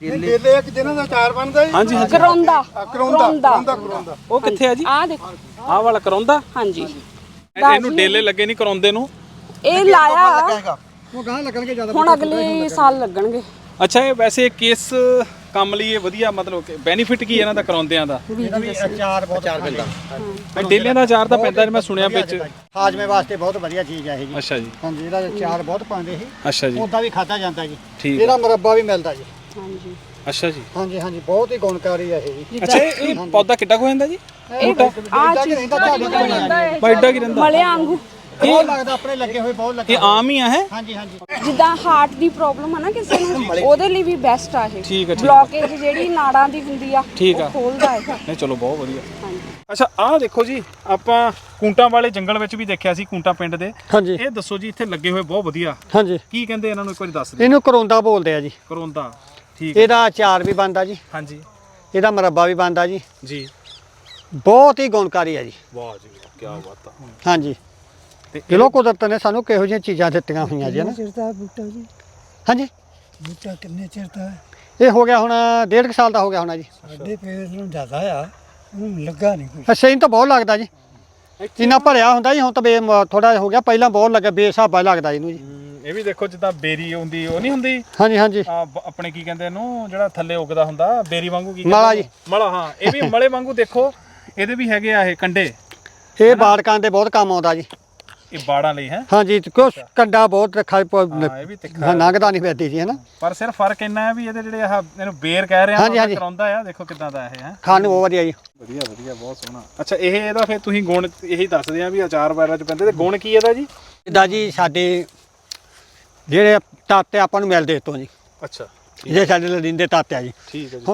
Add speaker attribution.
Speaker 1: ਕੇਲੇ ਇੱਕ ਜਿਹਨਾਂ ਦਾ ਅਚਾਰ ਬਣਦਾ ਜੀ।
Speaker 2: ਹਾਂਜੀ ਹਾਂਜੀ
Speaker 1: ਕਰੌਂਦਾ
Speaker 2: ਉਹ ਕਿੱਥੇ ਆ ਜੀ?
Speaker 3: ਆ ਦੇਖੋ
Speaker 2: ਆਹ ਵਾਲਾ ਕਰੌਂਦਾ।
Speaker 3: ਹਾਂਜੀ
Speaker 2: ਇਹਨੂੰ ਡੇਲੇ ਲੱਗੇ ਨਹੀਂ ਕਰਾਉਂਦੇ ਨੂੰ।
Speaker 3: ਇਹ ਲਾਇਆ
Speaker 1: ਉਹ ਗਾਂ ਲੱਗਣਗੇ ਜ਼ਿਆਦਾ।
Speaker 3: ਹੁਣ ਅਗਲੇ ਸਾਲ ਲੱਗਣਗੇ।
Speaker 2: ਅੱਛਾ ਇਹ ਵੈਸੇ ਕਿਸ ਕੰਮ ਲਈ ਇਹ ਵਧੀਆ ਮਤਲਬ ਬੈਨੀਫਿਟ ਕੀ ਇਹਨਾਂ ਦਾ ਕਰਾਉਂਦਿਆਂ ਦਾ?
Speaker 1: ਇਹਦਾ ਵੀ ਅਚਾਰ ਬਹੁਤ ਪੈਂਦਾ।
Speaker 2: ਡੇਲਿਆਂ ਦਾ ਅਚਾਰ ਤਾਂ ਪੈਂਦਾ ਮੈਂ ਸੁਣਿਆ ਵਿੱਚ।
Speaker 1: ਹਾਜ਼ਮੇ ਵਾਸਤੇ ਬਹੁਤ ਵਧੀਆ ਚੀਜ਼ ਹੈ ਇਹ ਜੀ।
Speaker 2: ਅੱਛਾ ਜੀ।
Speaker 1: ਹਾਂਜੀ ਇਹਦਾ ਅਚਾਰ ਬਹੁਤ ਪਾਉਂਦੇ ਸੀ।
Speaker 2: ਅੱਛਾ ਜੀ।
Speaker 1: ਉਹਦਾ ਵੀ ਖਾਧਾ ਜਾਂਦਾ ਜੀ।
Speaker 2: ਠੀਕ
Speaker 1: ਇਹਦਾ ਮੁਰੱਬਾ ਵੀ ਮਿਲਦਾ ਜੀ।
Speaker 3: ਹਾਂਜੀ
Speaker 2: ਅੱਛਾ ਜੀ।
Speaker 1: ਹਾਂਜੀ ਹਾਂਜੀ ਬਹੁਤ ਹੀ ਗੁਣਕਾਰੀ ਹੈ ਇਹ ਜੀ।
Speaker 2: ਅੱਛਾ ਇਹ ਪੌਦਾ ਕਿੱਡਾ ਕੁ ਹੋ ਜਾਂਦਾ ਜੀ?
Speaker 3: ਇਹ ਆ ਚੀਜ਼
Speaker 2: ਬਾਈਡਾ ਕੀ ਰਹਿੰਦਾ?
Speaker 3: ਮਲਿਆਂ ਵਾਂਗੂ
Speaker 1: ਬਹੁਤ ਲੱਗਦਾ ਆਪਣੇ ਲੱਗੇ ਹੋਏ ਬਹੁਤ ਲੱਗੇ।
Speaker 2: ਇਹ ਆਮ ਹੀ ਆ ਹੈ?
Speaker 1: ਹਾਂਜੀ ਹਾਂਜੀ
Speaker 3: ਜਿੱਦਾਂ ਹਾਰਟ ਦੀ ਪ੍ਰੋਬਲਮ ਹੈ ਨਾ ਕਿਸੇ ਨੂੰ, ਉਹਦੇ ਲਈ ਵੀ ਬੈਸਟ ਆ ਇਹ।
Speaker 2: ਠੀਕ ਹੈ
Speaker 3: ਬਲੌਕੇਜ ਜਿਹੜੀ ਨਾੜਾਂ ਦੀ ਹੁੰਦੀ ਆ
Speaker 2: ਠੀਕ ਆ।
Speaker 3: ਉਹ ਖੋਲਦਾ ਹੈ।
Speaker 2: ਨਹੀਂ ਚਲੋ ਬਹੁਤ ਵਧੀਆ।
Speaker 3: ਹਾਂਜੀ
Speaker 2: ਅੱਛਾ ਆਹ ਦੇਖੋ ਜੀ ਆਪਾਂ ਕੂੰਟਾਂ ਵਾਲੇ ਜੰਗਲ ਵਿੱਚ ਵੀ ਦੇਖਿਆ ਸੀ, ਕੂੰਟਾਂ ਪਿੰਡ ਦੇ।
Speaker 1: ਹਾਂਜੀ
Speaker 2: ਇਹ ਦੱਸੋ ਜੀ ਇੱਥੇ ਲੱਗੇ ਹੋਏ ਬਹੁਤ ਵਧੀਆ,
Speaker 1: ਹਾਂਜੀ
Speaker 2: ਕੀ ਕਹਿੰਦੇ ਇਹਨਾਂ ਨੂੰ ਇੱਕ ਵਾਰੀ ਦੱਸ ਦਿਓ।
Speaker 1: ਇਹਨੂੰ ਕਰੌਂਦਾ ਬੋਲਦੇ ਆ ਜੀ।
Speaker 2: ਕਰੌਂਦਾ। ਠੀਕ ਹੈ।
Speaker 1: ਇਹਦਾ ਅਚਾਰ ਵੀ ਬਣਦਾ ਜੀ।
Speaker 2: ਹਾਂਜੀ
Speaker 1: ਇਹਦਾ ਮੁਰੱਬਾ ਵੀ ਬਣਦਾ ਜੀ।
Speaker 2: ਜੀ।
Speaker 1: ਬਹੁਤ ਹੀ ਗੁਣਕਾਰੀ ਹੈ ਜੀ।
Speaker 2: ਵਾਹ ਜੀ ਵਾਹ, ਕੀ ਬਾਤ ਆ।
Speaker 1: ਹਾਂਜੀ
Speaker 2: ਤੇ
Speaker 1: ਚਲੋ ਕੁਦਰਤ ਨੇ ਸਾਨੂੰ ਕਿਹੋ ਜਿਹੀਆਂ ਚੀਜ਼ਾਂ ਦਿੱਤੀਆਂ ਹੋਈਆਂ ਜੀ ਨਾ।
Speaker 4: ਚਿਰ ਦਾ ਬੂਟਾ ਜੀ?
Speaker 1: ਹਾਂਜੀ
Speaker 4: ਬੂਟਾ ਕਿੰਨੇ ਚਿਰ ਦਾ ਹੈ?
Speaker 1: ਇਹ ਹੋ ਗਿਆ ਹੁਣ 1.5 ਸਾਲ ਦਾ ਹੋ ਗਿਆ ਹੋਣਾ ਜੀ।
Speaker 4: ਸਾਡੇ ਪੇੜ ਨੂੰ ਜ਼ਿਆਦਾ ਆ, ਉਹਨੂੰ ਲੱਗਾ ਨਹੀਂ ਕੋਈ।
Speaker 1: ਅੱਛਾ ਇਹਨੂੰ ਤਾਂ ਬਹੁਤ ਲੱਗਦਾ ਜੀ। ਇੰਨਾ ਭਰਿਆ ਹੁੰਦਾ ਜੀ, ਹੁਣ ਤਾਂ ਥੋੜਾ ਹੋ ਗਿਆ, ਪਹਿਲਾਂ ਬਹੁਤ ਲੱਗਾ, ਬੇਸਾਬਾ ਲੱਗਦਾ ਇਹਨੂੰ ਜੀ।
Speaker 2: ਇਹ ਵੀ ਦੇਖੋ ਜਿੱਦਾਂ ਬੇਰੀ ਹੁੰਦੀ ਉਹ ਨਹੀਂ ਹੁੰਦੀ
Speaker 1: ਹਾਂਜੀ ਹਾਂਜੀ
Speaker 2: ਆਪਣੇ ਕੀ ਕਹਿੰਦੇ ਇਹਨੂੰ ਜਿਹੜਾ ਥੱਲੇ ਉੱਗਦਾ ਹੁੰਦਾ ਬੇਰੀ ਵਾਂਗੂ, ਕੀ
Speaker 1: ਮਲਾ ਜੀ।
Speaker 2: ਮਲਾ। ਹਾਂ ਇਹ ਵੀ ਮਲੇ ਵਾਂਗੂ ਦੇਖੋ, ਇਹਦੇ ਵੀ ਹੈਗੇ ਆ ਇਹ ਕੰਡੇ।
Speaker 1: ਇਹ ਬਾੜਕਾਂ ਦੇ ਬਹੁਤ ਕੰਮ ਆਉਂਦਾ ਜੀ।
Speaker 2: ਇਹ ਬਾੜਾਂ ਲਈ ਹੈ।
Speaker 1: ਹਾਂਜੀ ਕਿਉਂ ਕੰਡਾ ਬਹੁਤ ਰੱਖਾ
Speaker 2: ਇਹ ਵੀ ਤਿੱਖਾ
Speaker 1: ਲੰਘਦਾ ਨਹੀਂ ਪੈਂਦੀ ਜੀ ਹੈ ਨਾ।
Speaker 2: ਪਰ ਸਿਰਫ ਫਰਕ ਇੰਨਾ ਹੈ ਵੀ ਇਹਦੇ ਜਿਹੜੇ ਆਹ ਇਹਨੂੰ ਬੇਰ ਕਹਿ ਰਹੇ ਆ
Speaker 1: ਹਾਂਜੀ, ਹਾਂਜੀ।
Speaker 2: ਕਰਾਉਂਦਾ ਆ, ਦੇਖੋ ਕਿਦਾਂ ਦਾ ਇਹ ਹੈ।
Speaker 1: ਖਾਣ ਨੂੰ ਬਹੁਤ ਵਧੀਆ ਜੀ।
Speaker 2: ਵਧੀਆ ਵਧੀਆ ਬਹੁਤ ਸੋਹਣਾ। ਅੱਛਾ ਇਹ ਇਹਦਾ ਫਿਰ ਤੁਸੀਂ ਗੁਣ ਇਹੀ ਦੱਸਦੇ ਆ ਵੀ ਅਚਾਰ ਵਗੈਰਾ ਚ ਪੈਂਦੇ, ਤੇ ਗੁਣ ਕੀ ਇਹਦਾ ਜੀ?
Speaker 1: ਇਹਦਾ ਜੀ ਸਾਡੇ ਜਿਹੜੇ ਤਾਤੇ ਆਪਾਂ ਨੂੰ ਮਿਲਦੇ ਇੱਥੋਂ ਜੀ,
Speaker 2: ਅੱਛਾ
Speaker 1: ਇਹ ਸਾਡੇ ਲੜਿੰਦੇ ਤਾਤੇ ਆ ਜੀ।
Speaker 2: ਠੀਕ ਹੈ ਜੀ।